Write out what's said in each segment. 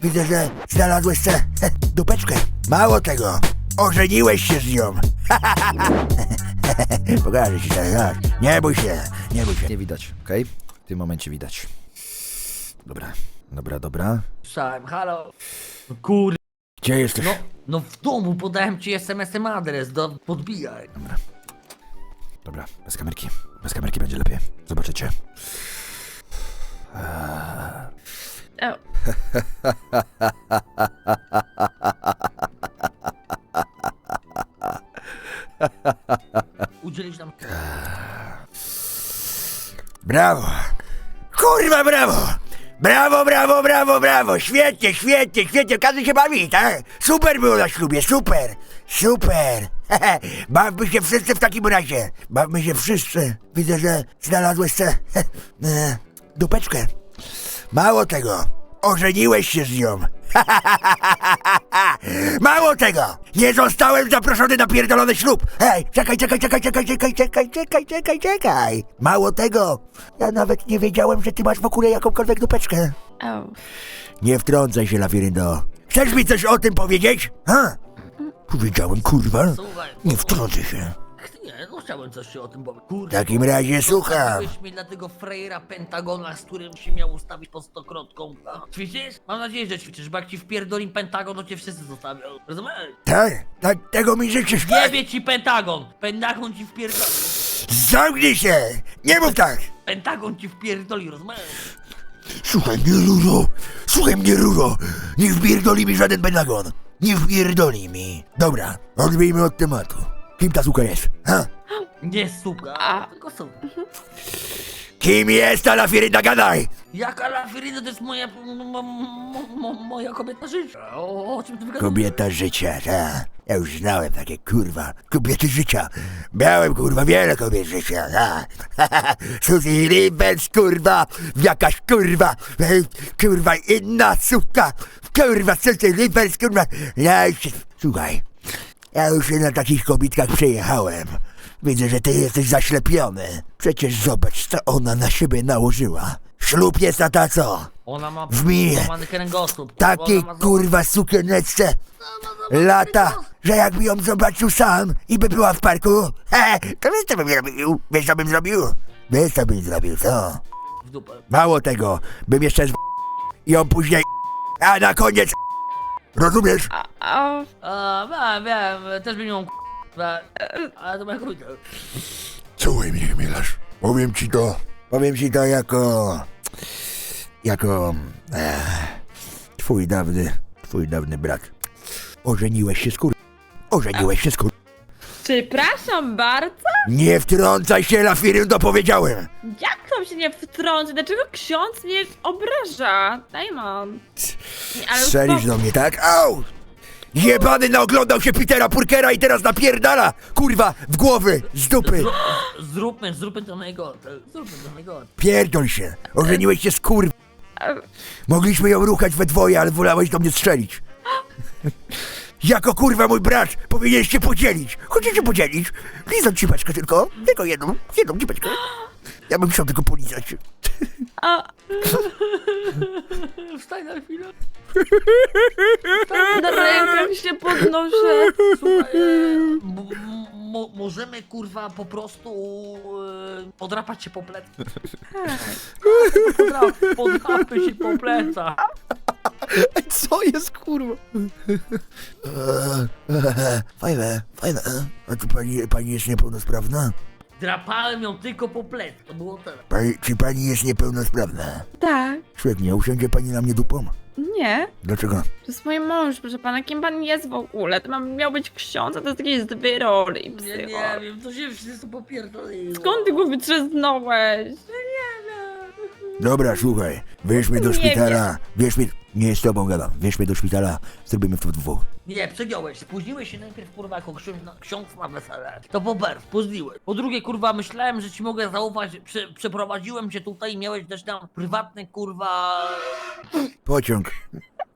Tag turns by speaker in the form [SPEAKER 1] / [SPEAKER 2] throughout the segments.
[SPEAKER 1] Widzę, że znalazłeś tę dupeczkę. Mało tego, ożeniłeś się z nią. Pokażę ci teraz. Nie bój się, nie bój się.
[SPEAKER 2] Nie widać, okej? W tym momencie widać. Dobra.
[SPEAKER 3] Słyszałem, halo. No kur...
[SPEAKER 1] Gdzie jesteś?
[SPEAKER 3] No w domu podałem ci SMS-em adres, podbijaj.
[SPEAKER 2] Dobra, bez kamerki. Bez kamerki będzie lepiej. Zobaczycie.
[SPEAKER 4] O,
[SPEAKER 3] Udzielisz nam...
[SPEAKER 1] Brawo! Kurwa, brawo! Brawo! Świetnie! Każdy się bawi, tak? Super było na ślubie, super! Bawmy się wszyscy w takim razie. Bawmy się wszyscy. Widzę, że znalazłeś tę dupeczkę. Mało tego, ożeniłeś się z nią. Mało tego, nie zostałem zaproszony na pierdolony ślub. Hej, czekaj. Mało tego, ja nawet nie wiedziałem, że ty masz w ogóle jakąkolwiek dupeczkę.
[SPEAKER 4] o.
[SPEAKER 1] Nie wtrącaj się, Lafiryndo. Chcesz mi coś o tym powiedzieć? Ha? Powiedziałem, kurwa.
[SPEAKER 3] Słuchaj.
[SPEAKER 1] Nie wtrącaj się.
[SPEAKER 3] Nie, no chciałem coś się o tym powiedzieć. Kurde.
[SPEAKER 1] W takim razie słucham.
[SPEAKER 3] Zostawiłeś mnie dla tego frejera Pentagona, z którym się miał ustawić pod stokrotką. A, ćwiczysz? Mam nadzieję, że ćwiczysz, bo jak ci wpierdolim Pentagon, to cię wszyscy zostawią. Rozumiesz?
[SPEAKER 1] Tak, tego mi życzysz.
[SPEAKER 3] Jebie ci Pentagon! Pentagon ci wpierdoli.
[SPEAKER 1] Zamknij się! Nie mów tak!
[SPEAKER 3] Pentagon ci wpierdoli, rozumiesz?
[SPEAKER 1] Słuchaj mnie, Ruro! Nie wpierdoli mi żaden Pentagon! Nie wpierdoli mi! Dobra, odbijmy od tematu. Kim ta suka jest? Ha?
[SPEAKER 3] Nie suka, tylko suka.
[SPEAKER 1] Kim jest ta Lafirynda, gadaj!
[SPEAKER 3] Jaka Lafiryna to jest moja... moja kobieta życia. O czym ty wygadujesz?
[SPEAKER 1] Kobieta życia, ta. Ja już znałem takie, kurwa, kobiety życia. Miałem, kurwa, wiele kobiet życia, ta. Suzy Rivers, kurwa, jakaś, kurwa, inna suka. Kurwa, Suzy Rivers, kurwa. Słuchaj, ja już się na takich kobitkach przejechałem. Widzę, że ty jesteś zaślepiony. Przecież zobacz, co ona na siebie nałożyła. Ślub jest na ta co?
[SPEAKER 3] Ona ma
[SPEAKER 1] W minie.
[SPEAKER 3] złamany kręgosłup.
[SPEAKER 1] Takiej
[SPEAKER 3] Ona ma
[SPEAKER 1] kurwa sukieneczce lata, że jakby ją zobaczył sam i by była w parku, to wiesz co bym zrobił? Wiesz co bym zrobił, co?
[SPEAKER 3] w dupę.
[SPEAKER 1] Mało tego, bym jeszcze ją później a na koniec rozumiesz?
[SPEAKER 4] O,
[SPEAKER 3] Wiem, też bym ją ale to moja kobieta.
[SPEAKER 1] Słuchaj mnie, Mielasz, powiem ci to jako twój dawny brat. Ożeniłeś się z kur...
[SPEAKER 4] przepraszam bardzo?
[SPEAKER 1] Nie wtrącaj się, Lafiryndo, powiedziałem!
[SPEAKER 4] Jak tam się nie wtrąci? Dlaczego ksiądz mnie obraża? Dajmon. Ale
[SPEAKER 1] Strzelisz do mnie, tak? Au! Jebany naoglądał się Petera Parkera i teraz napierdala, kurwa, w głowy, z dupy.
[SPEAKER 3] Zróbmy to najgorsze.
[SPEAKER 1] Pierdol się, ożeniłeś się z kur... Mogliśmy ją ruchać we dwoje, ale wolałeś do mnie strzelić. Jako kurwa mój brat powinieneś się podzielić. Chcecie podzielić? Lizać cipeczkę tylko jedną cipeczkę. Ja bym chciał tylko polizać.
[SPEAKER 3] Wstań na chwilę.
[SPEAKER 4] na rękach się podnoszę.
[SPEAKER 3] Słuchaj, możemy kurwa po prostu podrapać się po plecach. Podrapmy się po plecach.
[SPEAKER 2] Co jest, kurwa?
[SPEAKER 1] Fajne. A czy pani jest niepełnosprawna?
[SPEAKER 3] Drapałem ją tylko po plec, to było tyle.
[SPEAKER 1] Czy pani jest niepełnosprawna?
[SPEAKER 4] Tak.
[SPEAKER 1] Świetnie, usiądzie pani na mnie dupą?
[SPEAKER 4] Nie.
[SPEAKER 1] Dlaczego?
[SPEAKER 4] To jest mój mąż, proszę pana. Kim pan jest w ogóle? To miał być ksiądz, a to jest jakieś dwie roli,
[SPEAKER 3] Nie
[SPEAKER 4] psycho.
[SPEAKER 3] wiem, to się wszyscy popierdoliło.
[SPEAKER 4] Skąd ty go wytrzeznąłeś?
[SPEAKER 1] Dobra, słuchaj, weźmy do
[SPEAKER 4] Nie
[SPEAKER 1] szpitala, nie z tobą gadam, weźmy do szpitala, zrobimy to w dwóch.
[SPEAKER 3] Nie, przegiąłeś. Spóźniłeś się najpierw, kurwa, jako ksiądz na wesele. To po pierwsze, spóźniłeś. Po drugie, kurwa, myślałem, że ci mogę zaufać. Przeprowadziłem cię tutaj i miałeś też tam prywatny, kurwa...
[SPEAKER 1] Pociąg.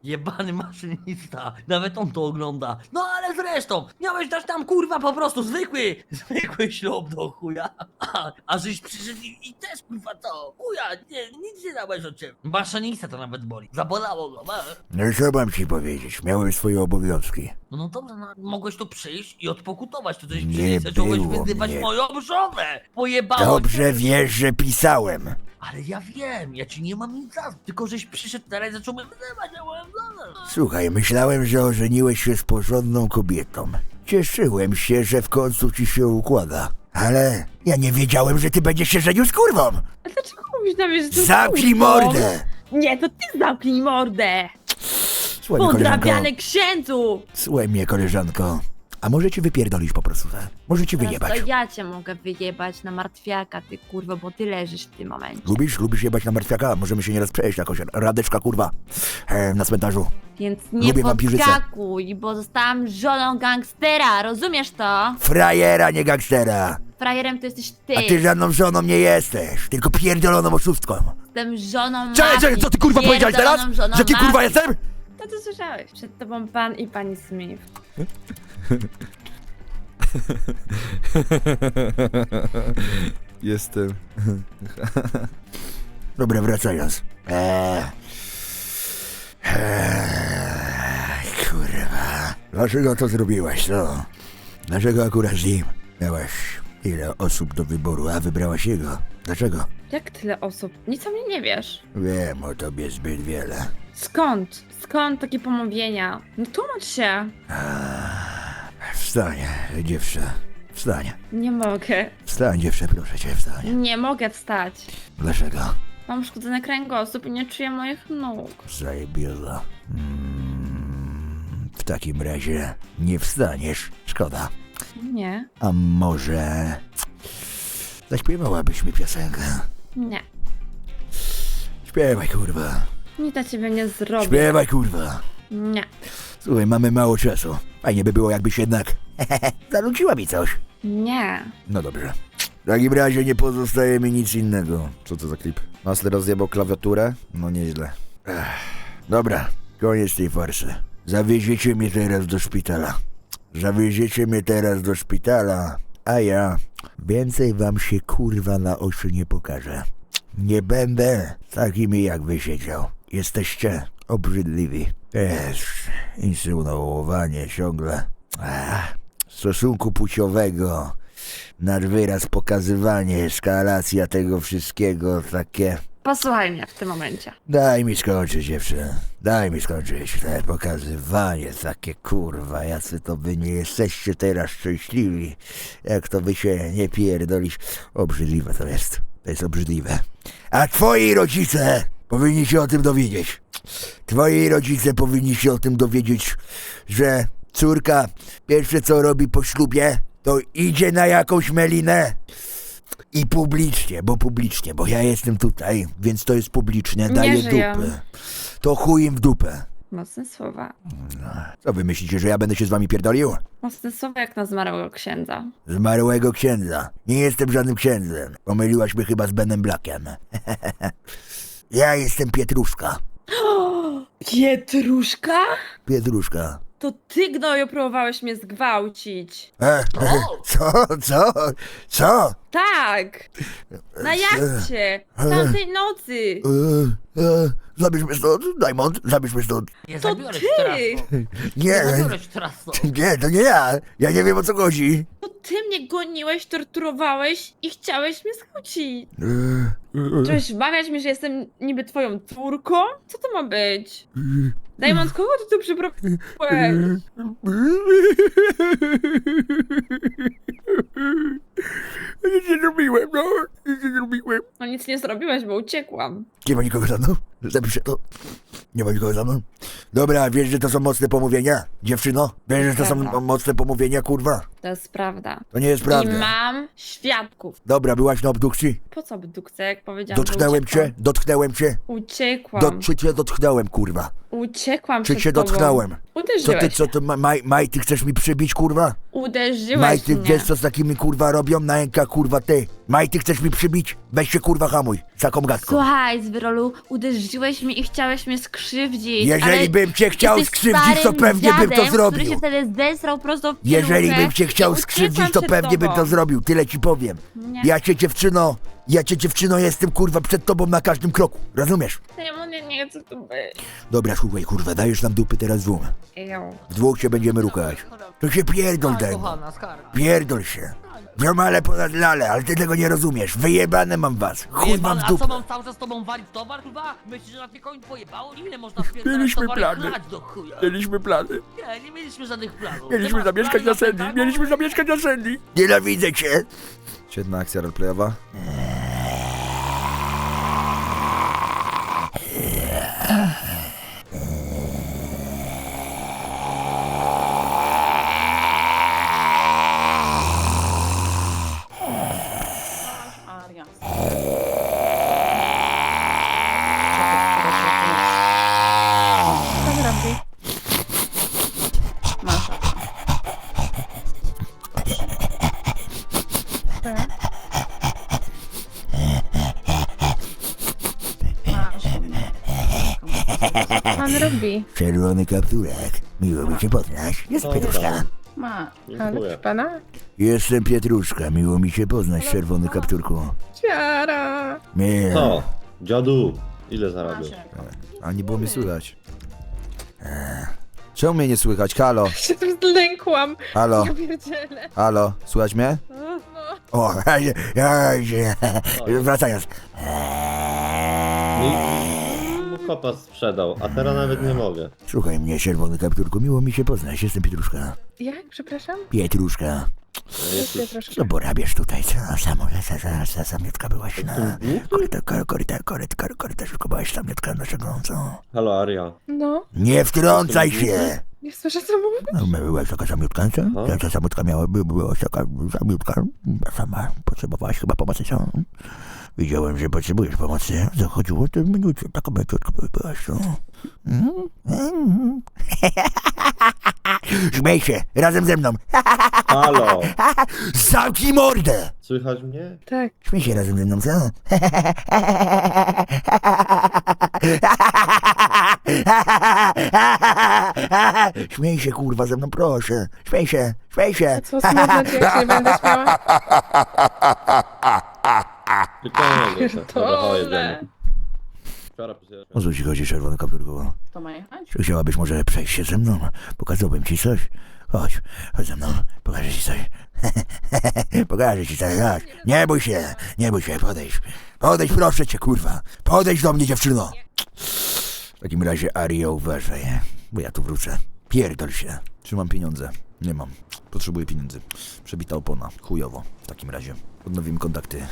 [SPEAKER 3] Jebany maszynista, nawet on to ogląda. No ale zresztą, miałeś dać tam kurwa po prostu zwykły ślub do chuja. A żeś przyszedł i też kurwa to, chuja, nic nie dałeś od ciebie. Maszynista to nawet boli, zabolało go,
[SPEAKER 1] No i co mam ci powiedzieć? Miałem swoje obowiązki.
[SPEAKER 3] No dobrze, no, mogłeś tu przyjść i odpokutować, to coś
[SPEAKER 1] Nie
[SPEAKER 3] przyjść, zacząłeś
[SPEAKER 1] było
[SPEAKER 3] wyzywać
[SPEAKER 1] mnie.
[SPEAKER 3] moją żonę. Pojebało
[SPEAKER 1] Dobrze
[SPEAKER 3] cię.
[SPEAKER 1] wiesz, że pisałem.
[SPEAKER 3] Ale ja wiem, ja ci nie mam nic za złe, tylko żeś przyszedł teraz i zaczął mnie wyzywać, ja byłem żonę.
[SPEAKER 1] Słuchaj, myślałem, że ożeniłeś się z porządną kobietą. Cieszyłem się, że w końcu ci się układa. Ale ja nie wiedziałem, że ty będziesz się żenił z kurwą.
[SPEAKER 4] A dlaczego mówisz na mnie, że to
[SPEAKER 1] Zamknij
[SPEAKER 4] kurwą?
[SPEAKER 1] mordę!
[SPEAKER 4] Nie, to ty zamknij mordę!
[SPEAKER 1] Słuchaj mnie, koleżanko.
[SPEAKER 4] Podrabiany księdzu!
[SPEAKER 1] Słuchaj mnie, koleżanko. A może ci wypierdolić po prostu, tak? Może ci
[SPEAKER 4] Teraz
[SPEAKER 1] wyjebać.
[SPEAKER 4] to ja cię mogę wyjebać na martwiaka, ty kurwa, bo ty leżysz w tym momencie.
[SPEAKER 1] Lubisz jebać na martwiaka? Możemy się nieraz przejść jakoś. Radeczka, kurwa. Na cmentarzu.
[SPEAKER 4] Więc nie
[SPEAKER 1] Lubię wampirzycę.
[SPEAKER 4] podskakuj, bo zostałam żoną gangstera, rozumiesz to?
[SPEAKER 1] Frajera, nie gangstera.
[SPEAKER 4] Frajerem to jesteś ty.
[SPEAKER 1] A ty żadną żoną nie jesteś. Tylko pierdoloną oszustką.
[SPEAKER 4] Jestem żoną
[SPEAKER 1] Cześć,
[SPEAKER 4] mafii,
[SPEAKER 1] co ty kurwa powiedziałeś teraz?
[SPEAKER 4] pierdoloną żoną
[SPEAKER 1] Że kim kurwa
[SPEAKER 4] mafii.
[SPEAKER 1] jestem?
[SPEAKER 4] To ty słyszałeś. Przed tobą pan i pani Smith.
[SPEAKER 2] Jestem.
[SPEAKER 1] Dobra, wracając. Kurwa. Dlaczego to zrobiłaś, no? Dlaczego akurat z nim? Miałaś ile osób do wyboru, a wybrałaś jego. Dlaczego?
[SPEAKER 4] Jak tyle osób? Nic o mnie nie wiesz.
[SPEAKER 1] Wiem o tobie zbyt wiele.
[SPEAKER 4] Skąd? Skąd takie pomówienia? No tłumacz się.
[SPEAKER 1] Wstań, dziewczę. Wstań.
[SPEAKER 4] Nie mogę.
[SPEAKER 1] Wstań, dziewczę, proszę cię, wstań.
[SPEAKER 4] Nie mogę wstać.
[SPEAKER 1] Dlaczego?
[SPEAKER 4] Mam uszkodzony kręgosłup i nie czuję moich nóg.
[SPEAKER 1] Zajebioza. W takim razie nie wstaniesz. Szkoda.
[SPEAKER 4] Nie.
[SPEAKER 1] A może... zaśpiewałabyś mi piosenkę?
[SPEAKER 4] Nie.
[SPEAKER 1] Śpiewaj, kurwa.
[SPEAKER 4] Nic dla ciebie nie zrobię.
[SPEAKER 1] Śpiewaj, kurwa.
[SPEAKER 4] Nie.
[SPEAKER 1] Słuchaj, mamy mało czasu. Fajnie by było, jakbyś jednak... zanuciła mi coś.
[SPEAKER 4] Nie.
[SPEAKER 1] No dobrze. W takim razie nie pozostaje mi nic innego.
[SPEAKER 2] Co to za klip? Masler rozjebał klawiaturę? No nieźle.
[SPEAKER 1] Dobra, koniec tej farsy. Zawieziecie mnie teraz do szpitala. Zawieziecie mnie teraz do szpitala, a ja więcej wam się kurwa na oczy nie pokażę. Nie będę takimi jak wy siedział. Jesteście obrzydliwi. Też insynuowanie ciągle stosunku płciowego, nad wyraz pokazywanie, eskalacja tego wszystkiego, takie...
[SPEAKER 4] Posłuchaj mnie w tym momencie.
[SPEAKER 1] Daj mi skończyć, dziewczę. Daj mi skończyć. Te pokazywanie takie, kurwa, jacy to wy nie jesteście teraz szczęśliwi. Jak to wy się nie pierdolisz. Obrzydliwe to jest. To jest obrzydliwe. A twoi rodzice powinni się o tym dowiedzieć. Twoi rodzice powinni się o tym dowiedzieć, że córka pierwsze co robi po ślubie, to idzie na jakąś melinę. I publicznie, bo ja jestem tutaj, więc to jest publiczne, daję
[SPEAKER 4] żyję.
[SPEAKER 1] dupę. To chuj im w dupę.
[SPEAKER 4] Mocne słowa.
[SPEAKER 1] Co wy myślicie, że ja będę się z wami pierdolił?
[SPEAKER 4] Mocne słowa jak na zmarłego księdza.
[SPEAKER 1] Zmarłego księdza. Nie jestem żadnym księdzem. Pomyliłaś mnie chyba z Benem Blackiem. Ja jestem Pietruszka.
[SPEAKER 4] Pietruszka?
[SPEAKER 1] Pietruszka.
[SPEAKER 4] To ty, gnoju, próbowałeś mnie zgwałcić.
[SPEAKER 1] Co?
[SPEAKER 4] Tak! Na jachcie! Tamtej nocy!
[SPEAKER 1] Zabierz mnie stąd, Diamond, zabierz mnie stąd.
[SPEAKER 3] Nie
[SPEAKER 4] To
[SPEAKER 3] zabiorę
[SPEAKER 4] ty!
[SPEAKER 3] cię teraz stąd. Nie
[SPEAKER 1] Nie,
[SPEAKER 3] zabiorę cię teraz stąd.
[SPEAKER 1] nie, to nie ja. Ja nie wiem o co chodzi.
[SPEAKER 4] To ty mnie goniłeś, torturowałeś i chciałeś mnie skłócić. Chciałeś wmawiać mi, że jestem niby twoją córką? Co to ma być? Diamond, kogo ty tu przyprowadziłeś?
[SPEAKER 1] Nic nie zrobiłem, no. Nic nie zrobiłem.
[SPEAKER 4] No nic nie zrobiłeś, bo uciekłam.
[SPEAKER 1] Nie ma nikogo za mną? Zapiszę to. Nie ma nikogo za mną? Dobra, wiesz, że to są mocne pomówienia? Dziewczyno? Wiesz, że to są
[SPEAKER 4] Dobra.
[SPEAKER 1] mocne pomówienia, kurwa?
[SPEAKER 4] To jest prawda.
[SPEAKER 1] To nie jest
[SPEAKER 4] I
[SPEAKER 1] prawda.
[SPEAKER 4] mam świadków.
[SPEAKER 1] Dobra, byłaś na obdukcji?
[SPEAKER 4] Po co abdukcja, jak powiedziałam, że
[SPEAKER 1] Dotknęłem
[SPEAKER 4] uciekłam?
[SPEAKER 1] cię? Dotknęłem cię?
[SPEAKER 4] Uciekłam.
[SPEAKER 1] Czy cię dotknąłem, kurwa?
[SPEAKER 4] Uciekłam
[SPEAKER 1] Czy
[SPEAKER 4] przed
[SPEAKER 1] cię
[SPEAKER 4] tobą.
[SPEAKER 1] dotknąłem?
[SPEAKER 4] Uderzyłeś.
[SPEAKER 1] Co ty, Maj, ty chcesz mi przybić, kurwa?
[SPEAKER 4] Uderzyłeś
[SPEAKER 1] Maj, ty
[SPEAKER 4] mnie.
[SPEAKER 1] wiesz co z takimi, kurwa, robią na rękach, kurwa, ty? Maj, ty chcesz mi przybić? Weź się, kurwa, hamuj, z taką gadką.
[SPEAKER 4] Słuchaj, Zwyrolu, uderzyłeś mnie i chciałeś mnie skrzywdzić.
[SPEAKER 1] Jeżeli
[SPEAKER 4] ale
[SPEAKER 1] bym cię chciał
[SPEAKER 4] jesteś
[SPEAKER 1] skrzywdzić, to
[SPEAKER 4] starym
[SPEAKER 1] pewnie bym to
[SPEAKER 4] dziadem,
[SPEAKER 1] zrobił.
[SPEAKER 4] który się wtedy zesrał prosto w
[SPEAKER 1] Jeżeli
[SPEAKER 4] pieluchę
[SPEAKER 1] bym cię
[SPEAKER 4] i
[SPEAKER 1] chciał
[SPEAKER 4] uciekłam
[SPEAKER 1] skrzywdzić, to
[SPEAKER 4] przed
[SPEAKER 1] pewnie bym
[SPEAKER 4] tobą.
[SPEAKER 1] to zrobił, tyle ci powiem.
[SPEAKER 4] Nie.
[SPEAKER 1] Ja cię, dziewczyno, jestem, kurwa, przed tobą na każdym kroku, rozumiesz?
[SPEAKER 4] Ja nie chcę tu być.
[SPEAKER 1] Dobra, słuchaj, kurwa, dajesz nam dupy teraz dwóm.
[SPEAKER 4] Ejo.
[SPEAKER 1] W dwóch się będziemy rukać. To się pierdol,
[SPEAKER 3] Tak,
[SPEAKER 1] Dajmo.
[SPEAKER 3] kochana, skarga.
[SPEAKER 1] Pierdol się. Ziomale ponad lale, ale ty tego nie rozumiesz. Wyjebane mam was. Chuj wam
[SPEAKER 3] Wyjebane,
[SPEAKER 1] w
[SPEAKER 3] a co
[SPEAKER 1] dupę.
[SPEAKER 3] mam cały czas z tobą walić towar, kurwa? Myślisz, że na mnie koń pojebało? Ile można wpierdalać
[SPEAKER 2] Mieliśmy
[SPEAKER 3] towar i
[SPEAKER 2] plany.
[SPEAKER 3] chlać do chuja?
[SPEAKER 2] Mieliśmy plany.
[SPEAKER 3] Nie mieliśmy żadnych planów.
[SPEAKER 2] Mieliśmy
[SPEAKER 3] Ty masz
[SPEAKER 2] zamieszkać
[SPEAKER 3] plany
[SPEAKER 2] na Sandy.
[SPEAKER 3] Pentagon?
[SPEAKER 2] Mieliśmy zamieszkać na Sandy.
[SPEAKER 1] Nienawidzę cię.
[SPEAKER 2] Świetna akcja roleplayowa.
[SPEAKER 4] Co ty robisz? Masz. Pan robi.
[SPEAKER 1] Czerwony kapturek. Miło mi cię poznać. Jest Pietruszka.
[SPEAKER 4] Ma.
[SPEAKER 5] Dziękuję.
[SPEAKER 4] pana?
[SPEAKER 1] Jestem Pietruszka. Miło mi się poznać, czerwony kapturku.
[SPEAKER 4] Ciara.
[SPEAKER 1] Nie.
[SPEAKER 5] Co? Dziadu, ile zarabiasz?
[SPEAKER 2] A nie było mnie słychać. Czemu mnie nie słychać? Halo?
[SPEAKER 4] Się tu zlękłam.
[SPEAKER 2] Halo?
[SPEAKER 4] Ja pierdzielę.
[SPEAKER 2] Halo? Słychać mnie?
[SPEAKER 1] O, wracając.
[SPEAKER 5] Mu kopa sprzedał, a teraz nawet nie mogę.
[SPEAKER 1] Słuchaj mnie, czerwony kapturku. Miło mi się poznać. Jestem Pietruszka.
[SPEAKER 4] Jak? Przepraszam?
[SPEAKER 1] Pietruszka.
[SPEAKER 4] Jeszcze troszkę.
[SPEAKER 1] Co porabiasz tutaj? Co? Samiotka byłaś na... Korytarzyku byłaś samiotka naszego, co?
[SPEAKER 5] Halo Aria.
[SPEAKER 4] No,
[SPEAKER 1] Nie wtrącaj się!
[SPEAKER 4] nie słyszę co mówisz.
[SPEAKER 1] No, byłaś taka samiutka, co?
[SPEAKER 5] Aha.
[SPEAKER 1] Ta samiotka byłaś taka samiutka. Sama potrzebowałaś chyba pomocy, co? Widziałem, że potrzebujesz pomocy. Zachodziło to minucie, taka meciutka byłaś, co? Śmiej się, razem ze mną.
[SPEAKER 5] Halo!
[SPEAKER 1] Zamknij mordę!
[SPEAKER 5] Słychać mnie?
[SPEAKER 4] Tak.
[SPEAKER 1] Śmiej się razem ze mną, co? Śmiej się, kurwa, ze mną, proszę. Śmiej się, śmiej się.
[SPEAKER 4] A co smutno ci, jak się nie będę śmiała?
[SPEAKER 5] Wyciągnę się. Dobra, chodź,
[SPEAKER 4] Pierdolę.
[SPEAKER 5] jedziemy. Wczoraj pisałem.
[SPEAKER 1] O co ci chodzi, czerwony kapturku?
[SPEAKER 4] To ma jechać?
[SPEAKER 1] Czy chciałabyś może przejść się ze mną? Pokazałbym ci coś. Chodź, chodź ze mną, pokażę ci coś. Pokażę ci coś, chodź. Nie bój się, podejdź. Podejdź, proszę cię, kurwa. Podejdź do mnie, dziewczyno. W takim razie, Aria, uważaj, bo ja tu wrócę. Pierdol się.
[SPEAKER 2] Trzymam pieniądze. Nie mam. Potrzebuję pieniędzy. Przebita opona. Chujowo. W takim razie. Odnowimy kontakty.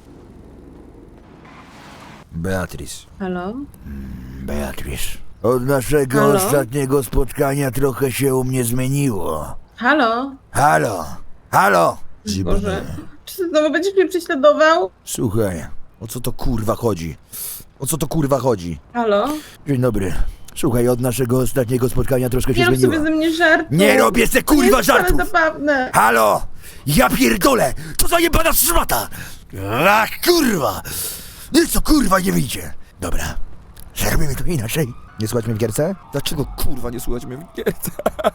[SPEAKER 2] Beatrice.
[SPEAKER 4] Halo?
[SPEAKER 1] Beatrice. Od naszego
[SPEAKER 4] Halo?
[SPEAKER 1] ostatniego spotkania trochę się u mnie zmieniło.
[SPEAKER 4] Halo?
[SPEAKER 1] Halo, halo.
[SPEAKER 4] Boże. Czy ty znowu będziesz mnie prześladował?
[SPEAKER 1] Słuchaj,
[SPEAKER 2] O co to kurwa chodzi? O co to kurwa chodzi?
[SPEAKER 4] Halo?
[SPEAKER 1] dzień dobry. Słuchaj, od naszego ostatniego spotkania troszkę się
[SPEAKER 4] Nie rób sobie
[SPEAKER 1] zmieniło.
[SPEAKER 4] ze mnie żartu.
[SPEAKER 1] Nie robię se
[SPEAKER 4] To nie
[SPEAKER 1] kurwa
[SPEAKER 4] jest wcale
[SPEAKER 1] żartów!
[SPEAKER 4] zabawne.
[SPEAKER 1] Halo! Ja pierdolę! To za jebana szmata! Ach, kurwa! No i co kurwa nie wyjdzie? Dobra, zrobimy to inaczej.
[SPEAKER 2] Nie słuchać mnie w gierce? Dlaczego kurwa nie słuchać mnie w gierce?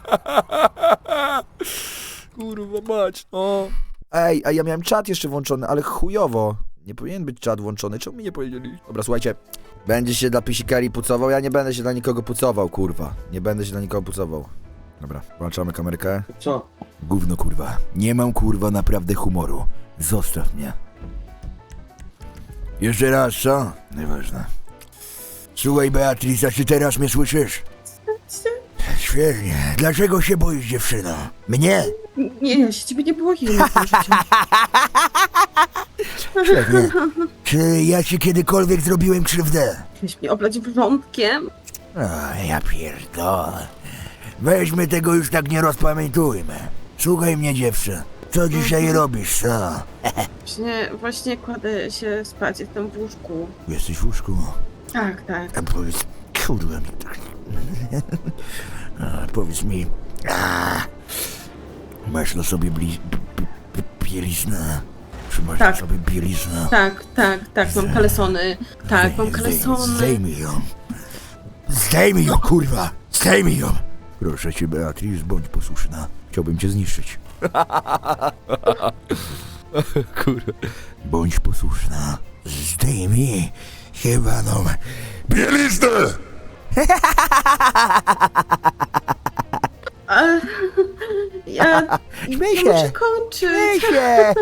[SPEAKER 2] Kurwa mać, no. Ej, a ja miałem czat jeszcze włączony, ale chujowo. Nie powinien być czat włączony, czemu mi nie powiedzieli? Dobra, słuchajcie. Będziesz się dla pisikari pucował? Ja nie będę się dla nikogo pucował, kurwa. Nie będę się dla nikogo pucował. Dobra, włączamy kamerkę.
[SPEAKER 5] Co?
[SPEAKER 1] Gówno kurwa. Nie mam kurwa naprawdę humoru. Zostaw mnie. Jeszcze raz, co? Nieważne. Słuchaj, Beatrice, czy teraz mnie słyszysz? Świetnie. Dlaczego się boisz, dziewczyno? Mnie?
[SPEAKER 4] Nie, ja się ciebie nie boję. Nie
[SPEAKER 1] Świetnie. Czy ja ci kiedykolwiek zrobiłem krzywdę?
[SPEAKER 4] Chciałeś mnie oblać wrzątkiem?
[SPEAKER 1] O, ja pierdolę. Weźmy tego już tak nie rozpamiętujmy. Słuchaj mnie, dziewczę. Co dzisiaj robisz, co?
[SPEAKER 6] Właśnie kładę się spać, jestem w łóżku.
[SPEAKER 1] Jesteś w łóżku?
[SPEAKER 6] Tak, tak.
[SPEAKER 1] A powiedz, kurwa mi tak. Powiedz mi, masz na sobie bieliznę? Czy masz
[SPEAKER 6] Tak.
[SPEAKER 1] na sobie bieliznę?
[SPEAKER 6] Tak, mam kalesony. Tak, mam kalesony.
[SPEAKER 1] Zdejmij ją. Zdejmij ją, kurwa! Zdejmij ją! Proszę cię, Beatrice, bądź posłuszna. Chciałbym cię zniszczyć. Kurwa. Bądź posłuszna. Zdejmij jebaną bieliznę!
[SPEAKER 6] A, ja
[SPEAKER 1] Śmiej się.
[SPEAKER 6] muszę kończyć.
[SPEAKER 1] się!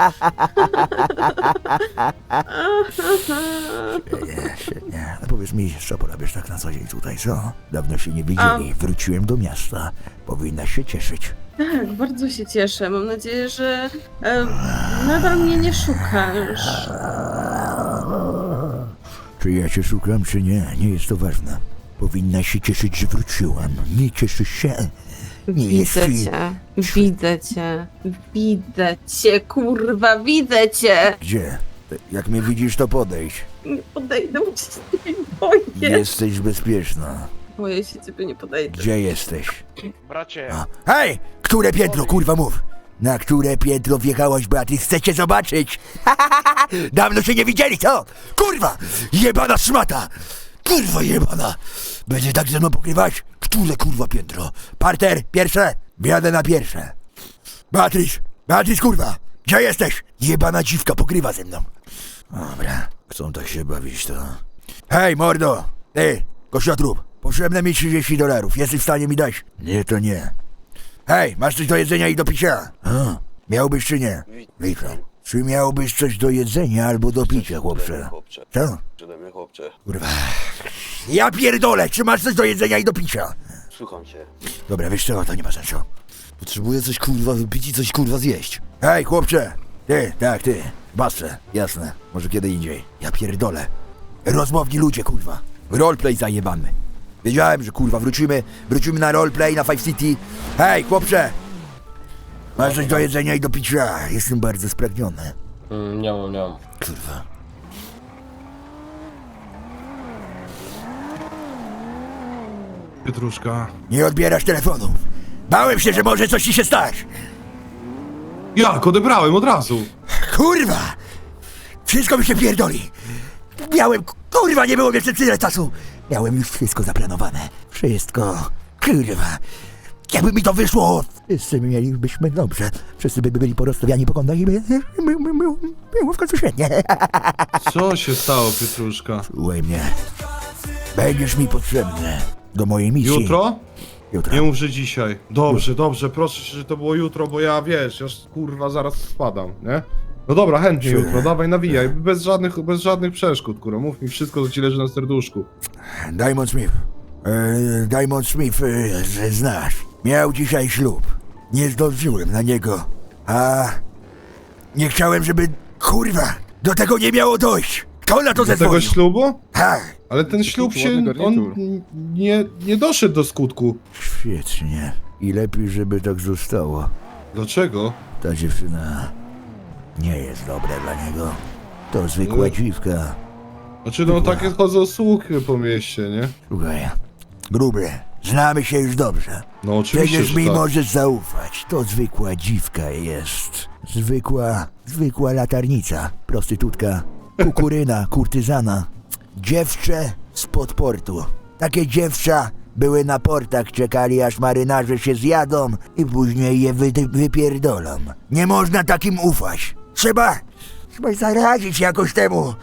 [SPEAKER 1] Nie. A powiedz mi, co porabiasz tak na co dzień tutaj, co? Dawno się nie widzieli. Wróciłem do miasta. Powinnaś się cieszyć.
[SPEAKER 6] Tak, bardzo się cieszę. Mam nadzieję, że nadal mnie nie szukasz.
[SPEAKER 1] Czy ja cię szukam, czy nie? Nie jest to ważne. Powinnaś się cieszyć, że wróciłem. Nie cieszysz się? Nie jest ci...
[SPEAKER 6] Widzę cię, kurwa, widzę cię.
[SPEAKER 1] Gdzie? Jak mnie widzisz, to podejdź.
[SPEAKER 6] Nie podejdę, bo cię nie boję.
[SPEAKER 1] Jesteś bezpieczna.
[SPEAKER 6] Boję się, ciebie nie podejdę.
[SPEAKER 1] Gdzie jesteś?
[SPEAKER 7] Bracie,
[SPEAKER 1] Hej! Które piętro, kurwa, mów! Na które piętro wjechałaś, Beatrice? Chcecie zobaczyć? Dawno się nie widzieli, co? Kurwa! Jebana szmata! Kurwa jebana! Będzie tak ze mną pokrywać? Które, kurwa, piętro? Parter, pierwsze? Wjadę na pierwsze. Beatrice! Beatrice, kurwa! Gdzie jesteś? Jebana dziwka pokrywa ze mną. Dobra, chcą tak się bawić, to... Hej, mordo! Ty, kościotrup! Potrzebne mi $30. Jesteś w stanie mi dać? Nie, to nie. Hej, masz coś do jedzenia i do picia? Miałbyś czy nie? Witam. Czy miałbyś coś do jedzenia albo do picia, chłopcze? Co?
[SPEAKER 7] przede chłopcze.
[SPEAKER 1] Kurwa. Ja pierdolę, czy masz coś do jedzenia i do picia?
[SPEAKER 7] Słucham cię.
[SPEAKER 1] Dobra, wiesz co, to nie ma sensu.
[SPEAKER 2] Potrzebuję coś kurwa wypić i coś kurwa zjeść.
[SPEAKER 1] Hej, chłopcze! Ty, tak, ty. Basce, jasne. Może kiedy indziej. Ja pierdolę. Rozmowni ludzie, kurwa. Roleplay zajebany. Wiedziałem, że kurwa wrócimy na roleplay, na Five City. Hej, chłopcze! Masz coś do jedzenia i do picia. Jestem bardzo spragniony.
[SPEAKER 5] Nie mam.
[SPEAKER 1] Kurwa.
[SPEAKER 8] Pietruszka.
[SPEAKER 1] Nie odbierasz telefonów. Bałem się, że może coś ci się stać.
[SPEAKER 8] Jak? Odebrałem od razu.
[SPEAKER 1] Kurwa! Wszystko mi się pierdoli. Miałem, kurwa, nie było jeszcze tyle czasu. Miałem już wszystko zaplanowane. Wszystko. Kurwa. Jakby mi to wyszło, wszyscy mielibyśmy dobrze. Wszyscy by byli porozstawiani po kątach i było w końcu świetnie.
[SPEAKER 8] Co się stało, Pietruszka?
[SPEAKER 1] Słuchaj mnie. Będziesz mi potrzebny do mojej misji.
[SPEAKER 8] Jutro?
[SPEAKER 1] Jutro.
[SPEAKER 8] Nie mów, że dzisiaj. Dobrze, proszę cię, że to było jutro, bo ja, wiesz, ja kurwa zaraz spadam, nie? No dobra, chętnie
[SPEAKER 1] Czy-
[SPEAKER 8] jutro, dawaj nawijaj, bez żadnych przeszkód, kurwa, mów mi wszystko, co ci leży na serduszku.
[SPEAKER 1] Diamond Smith. Diamond Smith, znasz. Miał dzisiaj ślub. Nie zdążyłem na niego. A nie chciałem, żeby, kurwa, do tego nie miało dojść. Kto na to
[SPEAKER 8] Do tego
[SPEAKER 1] zezwolił?
[SPEAKER 8] ślubu?
[SPEAKER 1] Tak.
[SPEAKER 8] Ale ten ślub się, on nie doszedł do skutku.
[SPEAKER 1] Świetnie. I lepiej, żeby tak zostało.
[SPEAKER 8] Dlaczego?
[SPEAKER 1] Ta dziewczyna nie jest dobra dla niego. To zwykła dziwka.
[SPEAKER 8] Znaczy, no takie chodzą słuchy po mieście, nie?
[SPEAKER 1] Słuchaj, gruby, znamy się już dobrze.
[SPEAKER 8] No oczywiście,
[SPEAKER 1] Przecież
[SPEAKER 8] że
[SPEAKER 1] mi
[SPEAKER 8] tak.
[SPEAKER 1] możesz zaufać. To zwykła dziwka jest. Zwykła latarnica. Prostytutka. Kukuryna, kurtyzana. Dziewczę spod portu. Takie dziewcza były na portach, czekali aż marynarze się zjadą i później je wypierdolą. Nie można takim ufać. Trzeba zaradzić jakoś temu.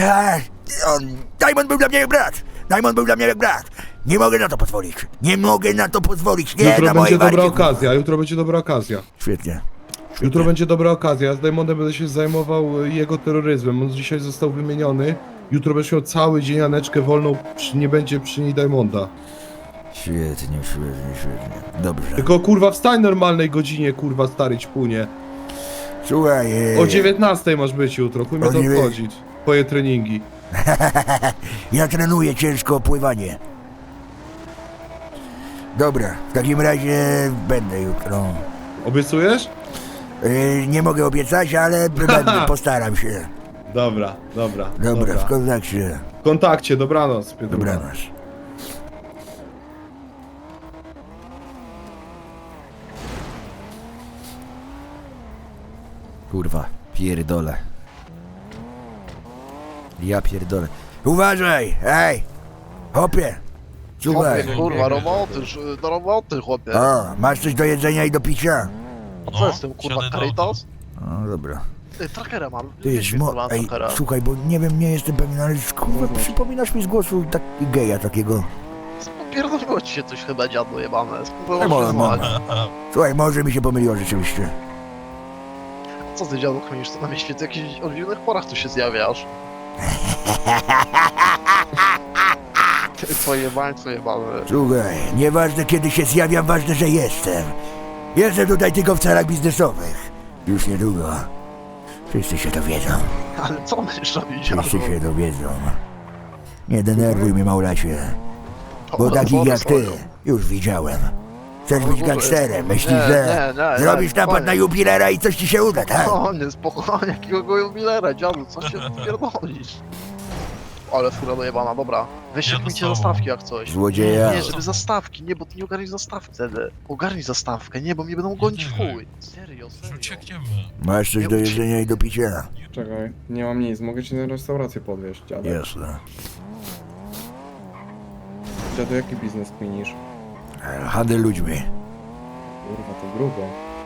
[SPEAKER 1] Diamond był dla mnie jak brat. Diamond był dla mnie jak brat. Nie mogę na to pozwolić. Nie mogę na to pozwolić. Nie
[SPEAKER 8] Jutro
[SPEAKER 1] na
[SPEAKER 8] będzie
[SPEAKER 1] mojej
[SPEAKER 8] dobra
[SPEAKER 1] walki.
[SPEAKER 8] okazja, jutro będzie dobra okazja.
[SPEAKER 1] Świetnie.
[SPEAKER 8] Jutro będzie dobra okazja, ja z Diamondem będę się zajmował jego terroryzmem, on dzisiaj został wymieniony. Jutro będziesz miał cały dzień Aneczkę wolną, nie będzie przy niej Diamonda.
[SPEAKER 1] Świetnie. Dobrze.
[SPEAKER 8] Tylko kurwa wstań w normalnej godzinie, kurwa stary ćpunie.
[SPEAKER 1] Słuchaj.
[SPEAKER 8] O 19 masz być jutro, chuj mnie
[SPEAKER 1] O
[SPEAKER 8] to
[SPEAKER 1] dziewię-
[SPEAKER 8] obchodzić. Twoje treningi.
[SPEAKER 1] Ja trenuję ciężko pływanie. Dobra, w takim razie będę jutro.
[SPEAKER 8] Obiecujesz?
[SPEAKER 1] Nie mogę obiecać, ale postaram się.
[SPEAKER 8] Dobra.
[SPEAKER 1] Dobra, w kontakcie.
[SPEAKER 8] W kontakcie, dobranoc, Piotrucha.
[SPEAKER 1] Dobranoc.
[SPEAKER 2] Kurwa, pierdolę. Ja pierdolę.
[SPEAKER 1] Uważaj, ej! Hopie! Słuchaj.
[SPEAKER 7] Kurwa, do roboty, chłopie.
[SPEAKER 1] O, masz coś do jedzenia i do picia?
[SPEAKER 7] A co jestem, kurwa, Caritas?
[SPEAKER 1] No dobra.
[SPEAKER 7] Ty, trackera mam.
[SPEAKER 1] Ty jest ej, słuchaj, bo nie wiem, nie jestem pewien, ale kurwa, przypominasz mi z głosu tak geja takiego.
[SPEAKER 7] Popierdoliło ci się coś chyba, dziadu jebane.
[SPEAKER 1] No,
[SPEAKER 7] Spróbował
[SPEAKER 1] mo-
[SPEAKER 7] się
[SPEAKER 1] Słuchaj, może mi się pomyliło rzeczywiście.
[SPEAKER 7] Co ty, dziadu, kminisz? To na mnie świecie, w jakichś odwiedznych porach tu się zjawiasz. Ty, twoje bańce jebane.
[SPEAKER 1] Słuchaj, nieważne kiedy się zjawiam, ważne, że jestem. Jestem tutaj tylko w celach biznesowych. Już niedługo. Wszyscy się dowiedzą.
[SPEAKER 7] Ale co będziesz robić, dziadu?
[SPEAKER 1] Wszyscy się dowiedzą. Nie denerwuj mnie, Maulacie. Bo takich jak ty już widziałem. Chcesz być gangsterem, myślisz, że zrobisz napad na jubilera i coś ci się uda, tak?
[SPEAKER 7] Spokojnie, jakiego jubilera, dziadu, co się pierdolisz? Ale fura dojebana, dobra. Weź mi zastawki jak coś.
[SPEAKER 1] Złodzieja.
[SPEAKER 7] Nie, żeby zastawki, nie, bo ty nie ogarnisz zastawki wtedy. Ogarnij zastawkę, nie, bo mnie będą gonić w chuj. Serio.
[SPEAKER 1] Masz coś do jedzenia i do picia?
[SPEAKER 9] Czekaj, nie mam nic, mogę ci na restaurację podwieźć, dziadek.
[SPEAKER 1] Jasne.
[SPEAKER 9] Dziadu, jaki biznes kminisz?
[SPEAKER 1] Handel ludźmi.
[SPEAKER 9] Kurwa, to grubo.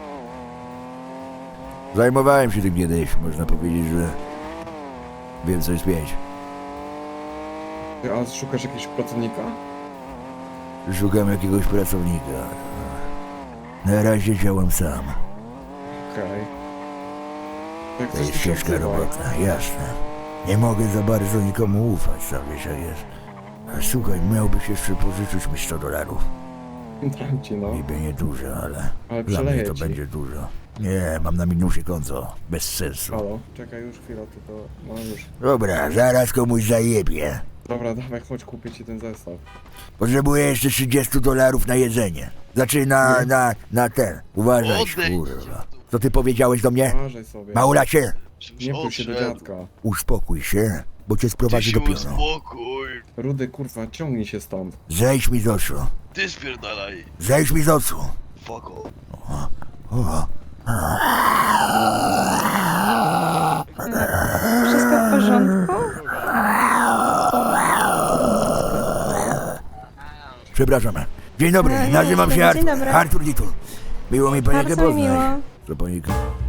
[SPEAKER 1] Zajmowałem się tym kiedyś, można powiedzieć, że wiem co jest pięć.
[SPEAKER 9] Ty, a szukasz jakiegoś pracownika?
[SPEAKER 1] Szukam jakiegoś pracownika. Na razie działam sam.
[SPEAKER 9] Okej. Jak
[SPEAKER 1] To
[SPEAKER 9] coś,
[SPEAKER 1] jest
[SPEAKER 9] to się
[SPEAKER 1] ciężka
[SPEAKER 9] odzywaj.
[SPEAKER 1] robota, jasne. Nie mogę za bardzo nikomu ufać, sam wiesz jak jest. A słuchaj, miałbyś jeszcze pożyczyć mi $100.
[SPEAKER 9] Dam ci, no.
[SPEAKER 1] Niby nie dużo, ale
[SPEAKER 9] Ale
[SPEAKER 1] dla mnie
[SPEAKER 9] przeleję
[SPEAKER 1] to
[SPEAKER 9] ci.
[SPEAKER 1] będzie dużo. Nie, mam na minusie konto. Bez sensu.
[SPEAKER 9] Halo, czekaj już chwilę, tylko... No już.
[SPEAKER 1] Dobra, zaraz komuś zajebie.
[SPEAKER 9] Dobra, dawaj, chodź, kupię ci ten zestaw.
[SPEAKER 1] Potrzebuję jeszcze $30 na jedzenie. Znaczy na ten. Uważaj, kurwa. Co ty powiedziałeś do mnie?
[SPEAKER 9] Uważaj sobie.
[SPEAKER 1] Maulacie,
[SPEAKER 9] Nie bój się do dziadka.
[SPEAKER 1] uspokój się, bo cię sprowadzi do pionu.
[SPEAKER 7] Spokój,
[SPEAKER 9] Rudy, kurwa, ciągnij się stąd.
[SPEAKER 1] Zejdź mi z oczu.
[SPEAKER 7] ty spierdalaj,
[SPEAKER 1] Zejdź mi z oczu.
[SPEAKER 7] fuck off.
[SPEAKER 1] O,
[SPEAKER 6] Wszystko w porządku?
[SPEAKER 1] przepraszam. Dzień dobry,
[SPEAKER 6] No, nie,
[SPEAKER 1] nazywam się
[SPEAKER 6] dzień
[SPEAKER 1] Artur.
[SPEAKER 6] dobry.
[SPEAKER 1] Artur Ditul. Miło mi panikę
[SPEAKER 6] Bardzo mi
[SPEAKER 1] poznać.
[SPEAKER 6] miło.
[SPEAKER 1] Co panika?